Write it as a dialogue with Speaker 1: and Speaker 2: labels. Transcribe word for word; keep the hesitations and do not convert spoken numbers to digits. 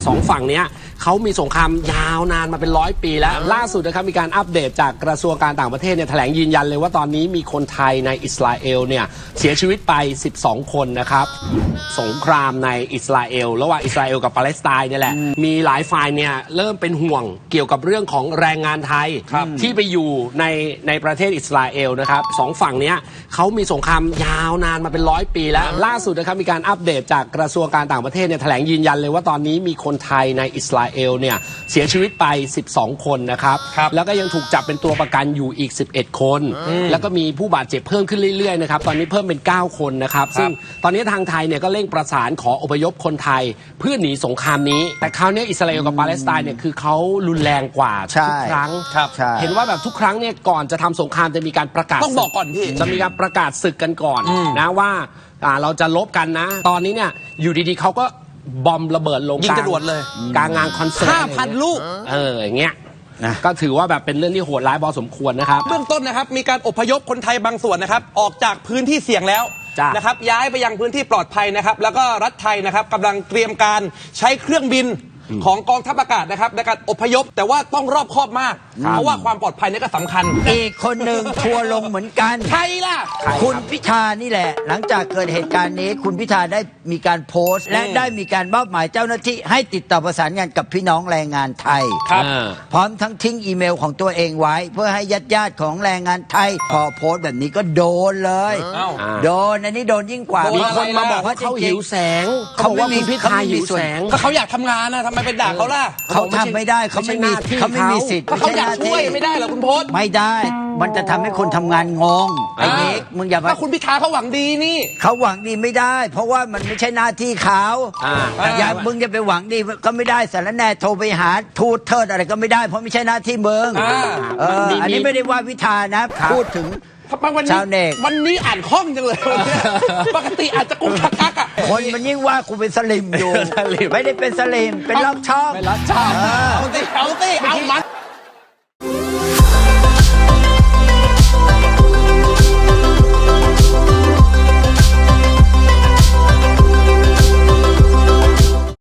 Speaker 1: สองฝั่งนี้เขามีสงครามยาวนานมาเป็นร้อยปีแล้วล่าสุดนะครับมีการอัปเดตจากกระทรวงการต่างประเทศเนี่ยแถลงยืนยันเลยว่าตอนนี้มีคนไทยในอิสราเอลเนี่ยเสียชีวิตไปสิบสองคนนะครับสงครามในอิสราเอลระหว่างอิสราเอลกับปาเลสไตน์เนี่ยแหละมีหลายฝ่ายเนี่ยเริ่มเป็นห่วงเกี่ยวกับเรื่องของแรงงานไทยที่ไปอยู่ในในประเทศอิสราเอลนะครับสองฝั่งนี้เขามีสงครามยาวนานมาเป็นร้อยปีแล้วล่าสุดนะครับมีการอัปเดตจากกระทรวงการต่างประเทศเนี่ยแถลงยืนยันเลยว่าตอนนี้มีคนไทยในอิสราเอลเนี่ยเสียชีวิตไปสิบสองคนนะครับแล้วก็ยังถูกจับเป็นตัวประกันอยู่อีกสิบเอ็ดคนแล้วก็มีผู้บาดเจ็บเพิ่มขึ้นเรื่อยๆนะครับตอนนี้เพิ่มเป็นเก้าคนนะครับซึ่งตอนนี้ทางไทยเนี่ยก็เร่งประสานขออพยพคนไทยเพื่อหนีสงครามนี้แต่คราวนี้อิสราเอลกับปาเลสไตน์เนี่ยคือเขารุนแรงกว่าทุกครั้งเห็นว่าแบบทุกครั้งเนี่ยก่อนจะทำสงครามจะมีการประกาศ
Speaker 2: ต้องบอกก่อนพี่
Speaker 1: จะมีการประกาศศึกกันก่อนนะว่าเราจะลบกันนะตอนนี้เนี่ยอยู่ดีๆเขาก็บอมระเบิดลง
Speaker 2: ยิงจรวดเลย
Speaker 1: กลางงานคอนเสิร์ต
Speaker 2: ห้าพัน ลูก
Speaker 1: เอออย่างเงี้ยก็ถือว่าแบบเป็นเรื่องที่โหดร้ายพอสมควรนะครับ
Speaker 2: เบื้องต้นนะครับมีการอพยพคนไทยบางส่วนนะครับออกจากพื้นที่เสี่ยงแล้วนะครับย้ายไปยังพื้นที่ปลอดภัยนะครับแล้วก็รัฐไทยนะครับกำลังเตรียมการใช้เครื่องบินของกองทัพอากาศนะครับในการอพยพแต่ว่าต้องรอบคอบมากเพราะว่าความปลอดภัยนี่ก็สำคัญ
Speaker 3: อีกคนหนึ่งทัวลงเหมือนกัน
Speaker 2: ใครล่ะ
Speaker 3: คุณพิธานี่แหละหลังจากเกิดเหตุการณ์นี้คุณพิธาได้มีการโพสต์และได้มีการมอบหมายเจ้าหน้าที่ให้ติดต่อประสานงานกับพี่น้องแรงงานไทย
Speaker 2: ครับ
Speaker 3: พร้อมทั้งทิ้งอีเมลของตัวเองไว้เพื่อให้ญาติญาติของแรงงานไทยพอโพสต์แบบนี้ก็โดนเลยโดนอันนี้โดนยิ่งกว่า
Speaker 1: มีคนมาบอกว่าเขาหิวแสงเขาบอกว่าคุณพิธาหิวแสง
Speaker 2: ก็เขาอยากทำงานนะทำไมไปด่าเขาล่ะ
Speaker 3: เขาทำไม่ได้เขาไม่มีเขาไม่มีสิทธิ์
Speaker 2: เขาอยากช่วยไม่ได้เหรอคุณพจน์
Speaker 3: ไม่ได้มันจะทำให้คนทำงานงงไอ้เด็กมึงอย่าไป
Speaker 2: ถ้าคุณพิธาเขาหวังดีนี่
Speaker 3: เขาหวังดีไม่ได้เพราะว่ามันไม่ใช่หน้าที่เขาอย่ามึงจะไปหวังดีก็ไม่ได้สารแน่โทรไปหาทูตเทิดอะไรก็ไม่ได้เพราะไม่ใช่หน้าที่มึงอันนี้ไม่ได้ว่าพิธานะพูดถึงชาวเน็ต
Speaker 2: วันนี้อ่านคล่องจังเลยปกติอาจจะกุกกักกักอ่ะ
Speaker 3: คนมันยิ่งว่ากูเป็นสลิมอยู่ไม่ได้เป็นสลิมเป็นล็อกชอบ
Speaker 1: เป็นล็อกชอบ
Speaker 2: เอาสิเอาสิเอามัน